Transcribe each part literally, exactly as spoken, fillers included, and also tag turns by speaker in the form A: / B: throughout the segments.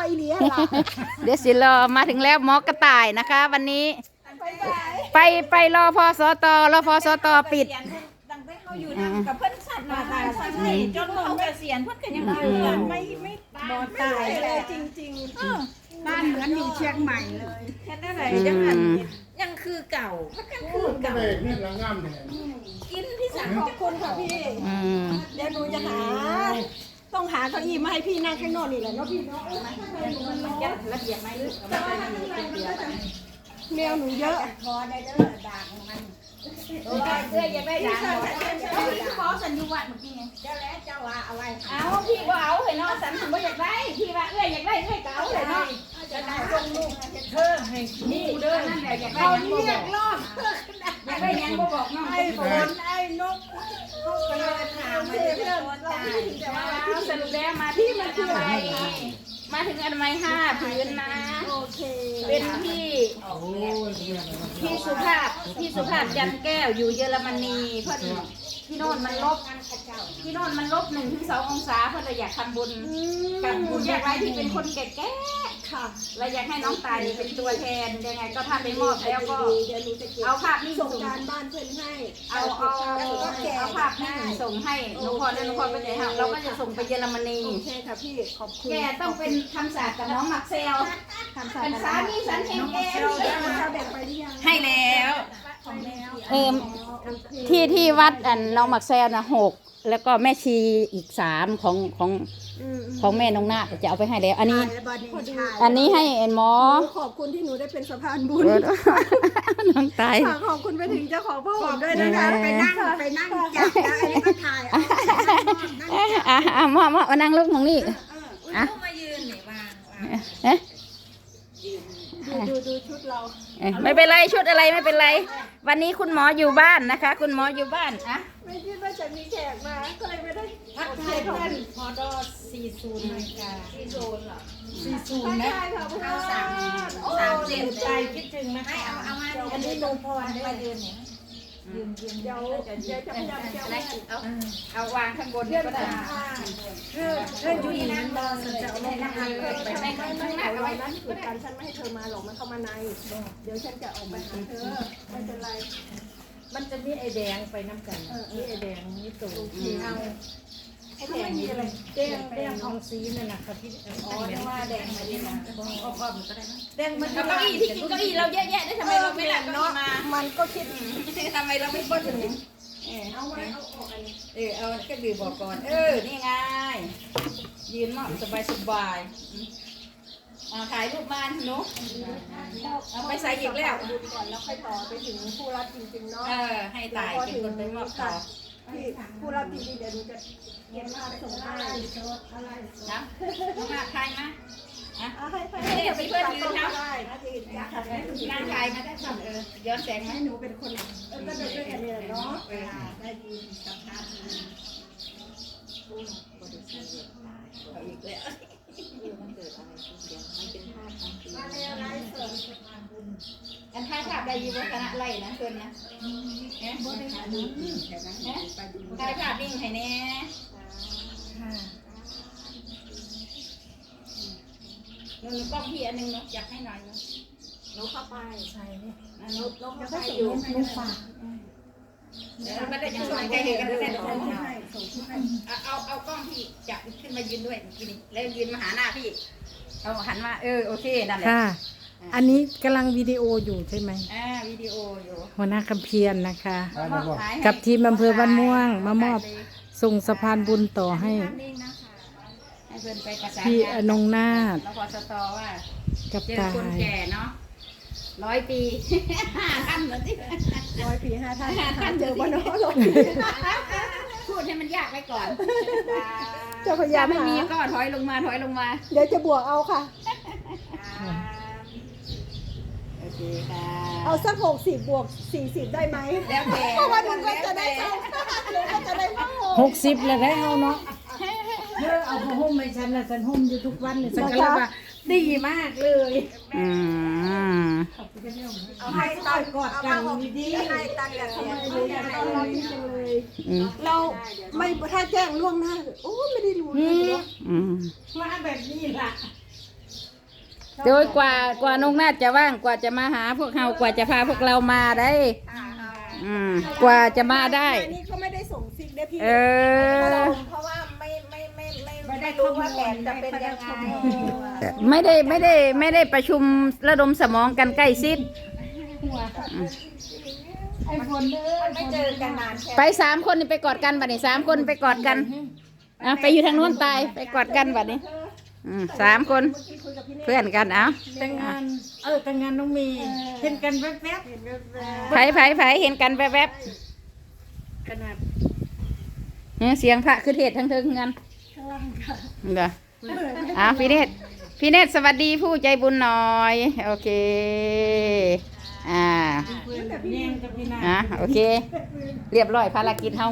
A: อีเลียล่ะ
B: เดี๋ยวสิรอมาถึงแล้วหมอกระต่ายนะคะ วันนี้ ไปไปรอพอสตรอพอสตปิด
C: ดังไปเขาอยู่นั่งกับเพื่อนสัตว์มาตายสัตว์ให้จนเขาเกษียณเพื่อนกันยังอยู่ไม่ไม่บอดตายเลยจริงๆบ้านเหมือนอยู่เชียงใหม่เลยแค่นั้นแหละยังยังคือเก่ามันยังคือเก่านี่ละงามแท้กินพี่สาวขอบคุณค่ะพี่เดี๋ยวหนูจะหาต้องหาเก้าอี้มาให้พี่นั่งข้างนอกนี่แหละเนาะพี่เนาะมันจะระเบียบไหมแมวหนูเยอะพอได้เด้อด่างมันเออเสื้อยังได้ด่างพี่ขอสัญญาณเมื่อกี้ไงเจ้าแล้วเจ้าว่าอะไรเอาพี่ก็เอาเห็นเนาะสันผมก็อยากได้พี่ว่าเอ้ยอยากได้เอ้ยเก่าเลยเนาะจะได้ลงลูกเพิ่มให้นี่เด้อนั่นแหละอยากได้ยังบ่บอกอยากได้ยังบ่บอกน้องไอ้ฝนไอ้นกเขาไปเลยถามมาเพื่อนเราสรุปแล้วมาที่มันคืออะไรมาถึงอนามัยห้าผืนนะโอเคเป็นพี่พี่สุภาพพี่สุภาพจันแก้วอยู่เยอรมนีเพื่อนพี่โน่นมันลบพี่โน่นมันลบหนึ่งถึงสององศาเพื่อนเราอยากทำบุญกับผู้ยากไร้ที่เป็นคนแก่ๆค่ะเราอยากให้น้องตายเป็นตัวแทนยังไงก็ถ้าไปมอบแล้วก็เอาภาพนี้ส่งการบ้านเพื่อนให้เอาเอาเอาภาพนี้ส่งให้น้องพรและน้องพรไปไหนฮะเราก็จะส่งไปเยอรมนีโอเคค่ะพี่ขอบคุณแกต้องเป็นคำสาปกับน้องมักเซลเป็นสามีสันเฮงแกให้แล้วเออที่ที่วัดอันน้องมักเซลนะหกแล้วก็แม่ชีอีกสามของของของแม่น้องนาจะเอาไปให้แล้วอันนี้อันนี้ให้เอ็นหมอ
A: ขอบคุณที่หนูได้เป็นสะพานบุญ
B: น้องตาย
A: ขอบคุณไปถึงเจ้าของพ่อผมด้วยนะคะไปนั่งไปนั่งจับแล้วอันนี้ก็ถ่าย
B: อ่ะอ่ะหมอหมอมานั่งลูกของนี่อ่ะ
C: มายืนนี่วาง
B: เอ๊ะ
A: ดูดูชุดเรา
B: ไม่เป็นไรชุดอะไรไม่เป็นไรวันนี้คุณหมออยู่บ้านนะคะคุณหมออยู่บ้านอะ
A: ไม่คิดว่าจะมีแขกมาก็เลยไม่ได้
C: ทักทายเพื่อนพอดอสี่ศูนย์นาฬิกาสี่ศูนย์เหรอสี่ศูนย์นะเอาสามสามเจ็ดใจคิดถึงนะให้เอาเอามาอันนี้ลงพรได้ยืนเนี่ยยืนยืน
A: เดี๋ยวเดี๋ยวจะพยายามจะ
B: เอาเอาวางข้างบนก็ได้
C: เรื่องเรื่องอยู่นั้นเราจะเอาลงนะคะ
A: ไปไปข้างหน้าเอาไว้นั้นคือการฉันไม่ให้เธอมาหรอกมันเข้ามาในเดี๋ยวฉันจะออกไปหาเธอไม่เป็นไร
C: มันจะมีไอแดงไปน้ำกันมีไอแดงมีตู่เอาไอแดงมีอะไรแดงแดงทองซีนั่นแหละค่ะที่อ๋อเรียกว่าแดงมาดีนะอ้อมๆก็ได้นะแดงมันเก้าอี้ที่กินเก้าอี้เราแย่ๆได้ทำไมเราไม่หลับเนาะ
A: มันก็คิด
C: ทำไมเราไม่พูดถึงเอาไว้เอาออกอันนี้เออเอาก็ดื่มบอกก่อนเออนี่ไงยืนมอบสบายสบายเอาถ่ายรูปมาหนูเอาไปใส่อีกแล้ว
A: ดูก่อนแล้วค่อยต่อไปถึงผู้รับจริงๆเนาะ
C: เออให้ตายเป็นคนไปมอบต่อ
A: ที่ผู้รับจริงๆเดี๋ยวดูจะเก็บมาส่งให้
C: นะมาถ่ายมาอ่ะ
A: ให้
C: เพื่อนเพื่อนยืนนะงานถ่ายมาได้สั่งเออย้อนแสงไหม
A: หนูเป็นคนเออก็จะช่วยกันเนี่ยเนาะได้ดีสัมภาษณ์
C: เอาอีกแล้วมันเกิดอะไรขึ้นเดี๋ยวมันเป็นภาพทางปีอันถ่ายภาพได้ยี่วัฒนะไล่นะเพื่อนนะเอ๊ะถ่ายภาพนิ่งให้แน่หนูกล้องพี่อันนึงเนาะอยากให้หน่อยเนาะหนูเข้าไปใช่เนี่ยหนูหนูเข้าไปอยู่หนูฝากเดี๋ยวไม่ได้ยังส่งใจเห็นกันเลยเดี๋ยวเอาเอากล้องพี่จับขึ้นมายืนด้วยกินแล้วยืนมาหาหน้าพี่เอาหันมาเออโอเคนั่นแหละ
D: ค่ะอันนี้กำลังวิดีโออยู่ใช่ไหม
C: อ่าวิดีโออยู่
D: หัวหน้าคำเพียรนะคะกับทีมอำเภอบ้านม่วงมามอบส่งสะพานบุญต่อให้พี่อนงนาถ
C: แล้วพอสตอว่า
D: กับ
C: ตายคนแก่เนาะร้อยปีห้าท่านเหมือนที่
A: ร้อยปีห้าท่านห้าท่านเจอบ้านน้องหรอก
C: พูดให้มันยากไว้ก่อน
A: จะพยายาม
C: ไม่มีก็ถอยลงมาถอยลงมา
A: เดี๋ยวจะบวกเอาค่ะ
C: โอเคค่ะ
A: เอาสักหกสิบบวกสี่สิบได้ไหม
C: แล้วแต่
A: เพราะว่าดูก็จะได้เท่าก็จะได้เท่า
D: หกสิบเลยได้เอาเนาะเธอเอาผ้าห่มให้ฉันนะฉันห่มอยู่ทุกวันเลยฉันก็เลยว่าดีมากเลย
B: อืม
A: เอาให้ตัดกอดกันดีๆให้ตัดกันทำไมเลยเราดีจังเลยเราไม่ถ้าแจ้งล่วงหน้าโอ้ไม่ได้รู้เลยเนาะ
D: มาแบบนี้ล่ะ
B: โดยกว่ากว่านงนาฏจะว่างกว่าจะมาหาพวกเรากว่าจะพาพวกเรามาได้ อืมกว่าจะมาได้
A: นี่เขาไม่ได้ส่งซิกได้พี่
B: เออ
A: เพราะว่าไม่ไม่ไม่ไม่ไม่รู้ว่าแผนจะเป็นยังไง
B: ไม่ได้ไม่ได้ไม่ได้ประชุมระดมสมองกันใกล้ชิด
D: ไอ้ฝนเด้อ
A: ไม่เจอกันนานแค่
B: ไปสามคนนี่ไปกอดกันบัดนี้สามคนไปกอดกันอ่ะไปอยู่ทางโน้นตายไปกอดกันบัดนี้อืมสามคนเพื่อนกันเอา
D: แต่งงานเออแต่งงานน้องมีเห็นกันแวบ
B: ไผไผไผเห็นกันแวบ
D: ๆขนาด
B: ๆเนี่ยเสียงพระคือเทศทั้งเทิงกันเด้ออ้าวพี่เนตรพี่เนตรสวัสดีผู้ใจบุญหน่อยโอเคอ่า
D: เพื่อนแบบแย่งกับพี่นา
B: อ่ะโอเค เรียบร้อยภารกิจเฮา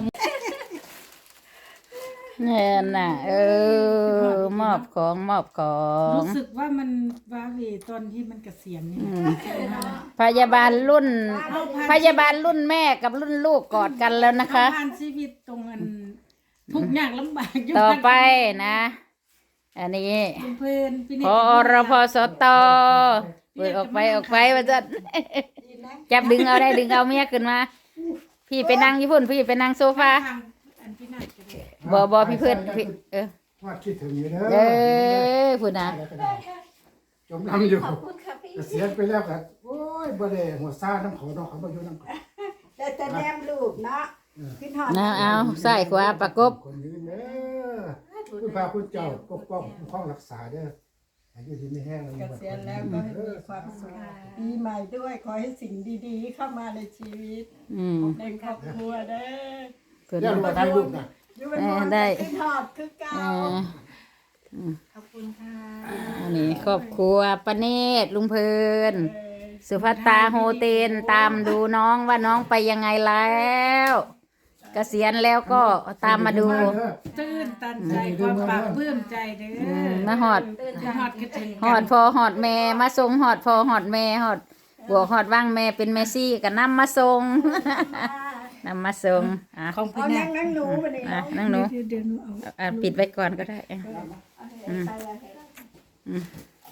B: เนี่ยน่ะเออมอบของมอบของ
D: รู้สึกว่ามันว้าเหวตอนที่มันเกษียณนี่
B: อืมพยาบาลรุ่น พยาบาลรุ่นแม่กับรุ่นลูกกอดกันแล้วนะคะ
D: ผ่านชีวิตตรงอันทุกอย่างลำบากยู่
B: ต่อไปนะ อันนี้
D: เพื่อนพี่เน
B: พ
D: ต
B: อรพสตเปิดออกไปออกไปว่าจะจับดึงเอาได้ดึงเอาเมียขึ้นมา พี่ไปนั่งญี่ปุ่นพี่ไปนั่งโซฟา
D: ทางอันพี่นาจะได้
B: บอบอพี่เพื่อนพี่เออ
E: ว่าคิดถึงอยู่เด้
B: เอ
E: อ
B: อพูดนะ
E: จมน้ำอยู่เกษียณไปแล้วกันโอ้ยบ่ได้หัวซ่าน้ำเขาเนาะเขาบ่อยู่น้ำเขา
A: แต่แต่แนมลูกเนาะขึ้นหอด
B: นะเอาใส่ขวาประกบ
E: คนยืนเด้อคุณพาคุณเจ้าปกป้องคุ้มครองรักษาเด้ออายุที่ไม่แห้งแล้ว
A: เกษียณแล้วก็ให้มีความสุขปีใหม่ด้วยขอให้สิ่งดีๆ เข้ามาในชีวิต
B: อืม
A: ในครอบครัวเด้อ
B: เพิ่น
E: เดี๋ยวเราถ่ายรูปนะ
A: อยู่เป็นคนขึ้นหอดคือเก่า
B: เออ
A: ขอบคุณค่ะ
B: อันนี้ครอบครัวปเนตรลุงเพลินสุภัตตาโฮเทนตามดูน้องว่าน้องไปยังไงแล้วเกษียณแล้วก็ตามมาดู
D: ตื้นตันใจความปลาบปลื้มใจเด้อ
B: มาหอด
D: หอดกระถึง
B: หอดพอหอดแม่มาส่งหอดพอหอดแม่หอดบวกหอดว่างแม่เป็นเมซี่ก็นำมาส่ง นำมาส่งอ่ะ
D: ของพี่
A: เอา
D: นา
A: นั่งนั่งหนูมาเลย
B: อ่ะนั่งหนู
D: เดี๋ยวเดี๋ยวหนูเอา
B: อ่ะปิดไว้ก่อนก็ได้อ่ะอืมอืม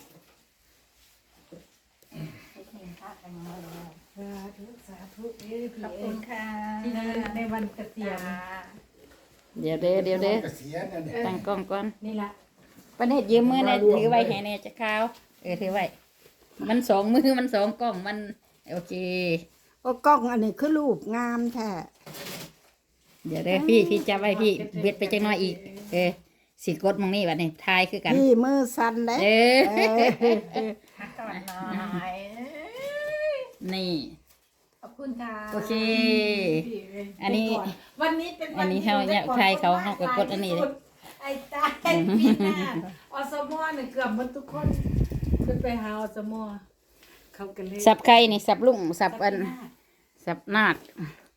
D: สาธุสาธุเอ้ยพี่
A: ขอบ
D: เอ้
A: คุ
D: ย
A: ณค่ะ
D: ที่ในวันเกษียณ
B: เดี๋ยวเด้อเดี๋ยวเด้อ
E: เกษียณนั่นเนี่ย
B: ตั้งกล้องก่อน
D: นี่ละ
B: ปเนตรยืมมือหนอยถือไว้ให้แน่จะข้าวเออถือไว้มันสองมือมันสองกล้องมันโอเค
A: โอ้กล้องอันนี้คือรูปงามแท้
B: เดี๋ยวเด้อพี่พี่จับไว้พี่เบ็ดไปจังน้อยอีก เออสิกดมองนี่บัดนี้ทายคือกัน
A: พี่มือสั่นแล้ว
B: เออ
A: ก่อนหน่อย
B: นี่
A: ขอบคุณค่ะ
B: โอเค
D: พี่เอ้ย
B: อันนี้
D: วันนี้เป็น
B: อั
D: วัน
B: นนี้
D: ที่
B: เขาเนี่ย
D: ได้
B: ใครเขาเขาก็กดอันนี้เลย
D: ไอ้ตายพี่นาอสมอเนี่ยเกือบหมดทุกคนขึ้นไปหาอสมอเขากันเลย
B: สับไข่นี่สับลุงสับอันสับนาด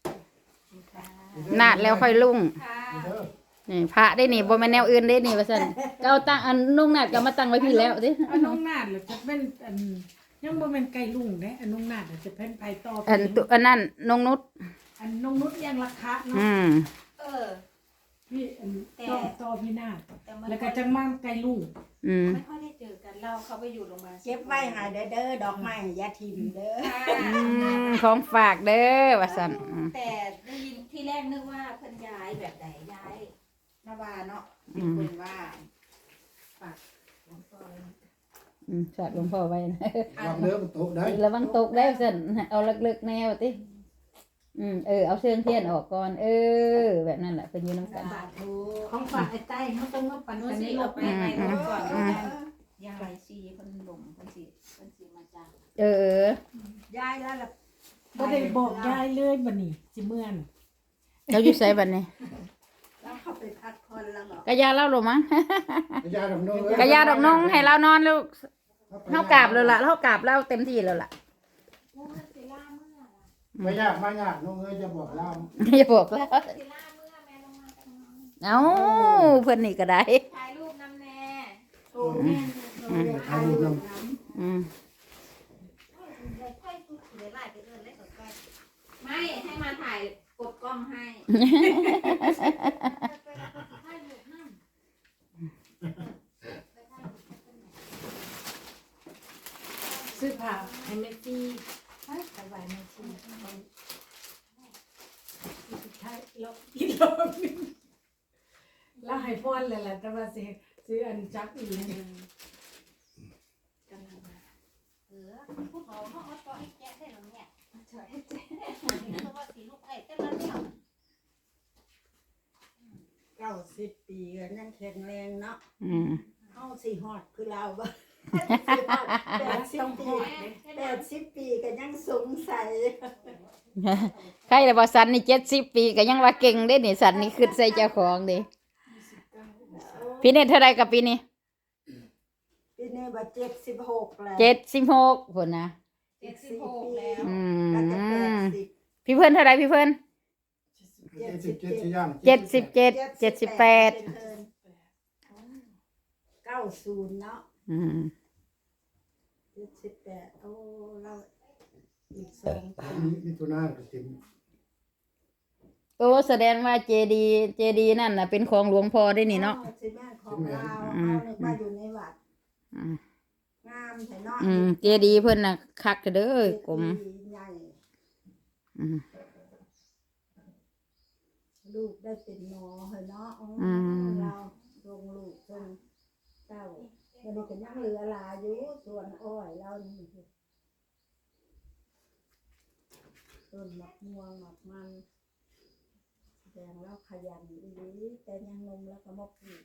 B: นาดแล้วค่อยลุงนี่พระได้นี่บ่แม่นแนวอื่นได้นี่ว่าซั่นก็เอาตั้งอันนุ่งนาดก็มาตั้งไว้พี่แล้วดิ
D: อันน้องนาดเหรือจะเป็นอันยังบ่เป็นไก่ลุงเด้อันน้องนาดจะเป็นไผต่อ
B: อันตุอันนั้นนงนุช
D: อันน้องนุชยังราคาเนาะ
B: อืม
A: เออ
D: พี่อันต่อต่อพี่นาด
A: แต่มัน
D: แล้วก็จังมั่งไก่ลุง
B: อืม
C: ไม่ค่อยได้เจอกันเราเขาไปอยู่โรงพยาบาล
A: เก็บไว้ใหายเด้อเด้อดอกไม้อยาทิมเด้อ
B: อืมของฝากเด้อว่าซั่นอืม
C: แต่ได้ยินที่แรกนึกว่าเพิ่นย้ายแบบไหนย้ายนาวาเนาะเป็นคนว่าฝากหลวงพ่อเลย
B: อืมฝากหลวงพ่อไว้นะ
E: วางเนื้อมันตกได้
B: ระวังตกได้ซั่นเอาลึกๆแนวติอืมเออเอาเชิงเทียนออกก่อน เออ แบบนั้นแหละเพิ่นอยู่นำกัน
A: สาธุ
D: ของฝากไอ้ใต้เขาต้องมาปั่น
C: โน้
D: กัน
C: สิ
D: ในร
C: เอา
D: ถ
C: ไป
D: ไป
C: ในรถก่อน
B: อืม
C: ยายซีเพิ่นหลงเพิ่นสิเพิ่นสิมาจ้าง
B: เออ
A: ย้ายแล้วล่ะ
D: บ่ได้บอกยายเลยบัดนี้สิเมื่อน
B: เราอยู่ไสบัดนี้
A: แล้วเข้าไปพักผ่อนแล้วเหรอก
B: ะยาเล่าหรอมั้ง
E: ยาดอกน้อง
B: กะยาดอกน้องให้เรานอนลูกเฮากราบแล้วล่ะเฮากราบแล้วเต็มที่แล้วล่ะ
E: ไม่ยากไม่ยากน้องเอ้ยจะบอกเล่า
B: อย่าบอกแล้วเอ้าเพิ่นนี่ก็ได้
C: ถ่ายรูปนำแน่
A: โอ้แม่โอ้ยถ่ายรูปน้
B: อืม
C: ไม่ให้มาถ่ายกดกล้องให้
B: อ
D: ซื้อผ้าให้แม่ซี่สบายแม่ซี่สุดท้ายเราอีกรอบนึงแล้วให้พรเลยแหละแต่ว่าสิซื้ออันจับอีกเลย
A: เออผู้เขาเขาเอาต่อให้แจ๊ได้หรอเนี่ยต่อให้แจ๊เพราะว่าสีลูกไอ้แต่ละเนี่ยเก้าสิบปีก็ยังแข็งแรงเนาะ
B: อืม
A: เข้าสี่ฮอดคือเราบ่แปดสิบปีแปดสิบปีก็ยังสงสัย
B: ใครแต่ว่าสันนี่เจ็ดสิบปีก็ยังว่าเก่งได้นี่สันนี่ขึ้นใส่เจ้าของดิพี่เนตเท่าไรกับปีนี้
A: ปีนี้บ่เจ็ดสิบหกแล้ว
B: เจ็ดสิบหกคนนะ
A: เจ็ดสิบหกแล้ว
B: อื
A: ก็จะแปด
B: ม
A: สิบ
B: พี่เพื่อนเท่าไรพี่เพื่อน
E: เจ็ดสิบเจ็ดสิย่าง
B: เจ็ดสิบเจ็ดเจ็ดสิบแปด
A: เก้าศูนย์เนาะ
B: อืม
A: เจ็ดสิบแปดโอ้เราอีกสองปี
E: มีมีตัวหน้าก็เต็ม
B: โอ้แสดงว่าเจดีเจดีนั่นน่ะเป็นของหลวงพ่อได้นี่เนาะ
A: อ๋อสิแม่ของเราเอานึกว่าอยู่ในวัด
B: อืม
A: งามแต่เนาะ
B: อืมเจดีเพิ่นน่ะคักเด้อกลม
A: ใหญ่
B: อืม
A: ลูกได้เป็นหมอเหรอเนาะอ๋อ
B: อืม
A: เราลงลูกจนเจ้าวันนี้ก็ยังเหลือหลายอยู่ส่วนอ้อยเรานี่ต้นมะม่วงมะมันแสดงเราขยันดีแต่ยังนมแล้วก็มกอีก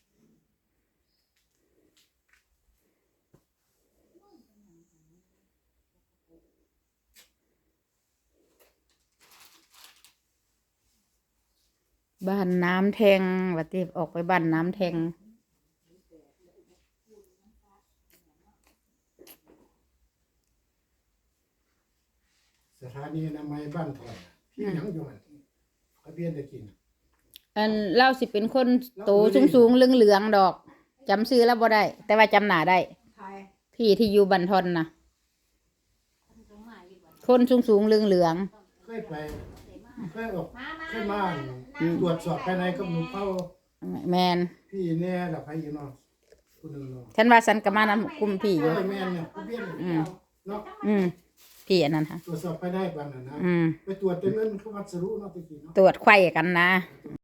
B: บ้านน้ำแทงว่าติออกไปบ้านน้ำแทง
E: สถานีอนามัยบ้านถอยพี่ยังอยู่หั่นเขาเบียนได้กิน
B: อันเล่าสิเป็นคนโตสูงสูงๆเหลืองๆดอกจำชื่อแล้วบ่ได้ แต่ว่าจำหน้าได้
A: ใคร
B: พี่ที่อยู่บันทอนนะคนสูงสูงๆเหลืองเหลือง
E: เคยไปเคยออกเคยมาตรวจสอบภายในกับหนูเข้า
B: ๆแมน
E: พี่แน่ละไผอยู่เนาะผู้หนึงเนาะ
B: ฉันว่าฉันก็มานำกลุ่มพี่อ
E: เอยู่ อแม่นเนี่ยผู้เบียนเนาะ
B: อืมพี่อันนั้นค่ะ
E: ตรวจสอบภายในบ้านน่ะนะ
B: อืม
E: ไปตรวจแต่เงินเขาวัดสรุเนาะตะกี้เนาะ
B: ตรวจไข้กันนะ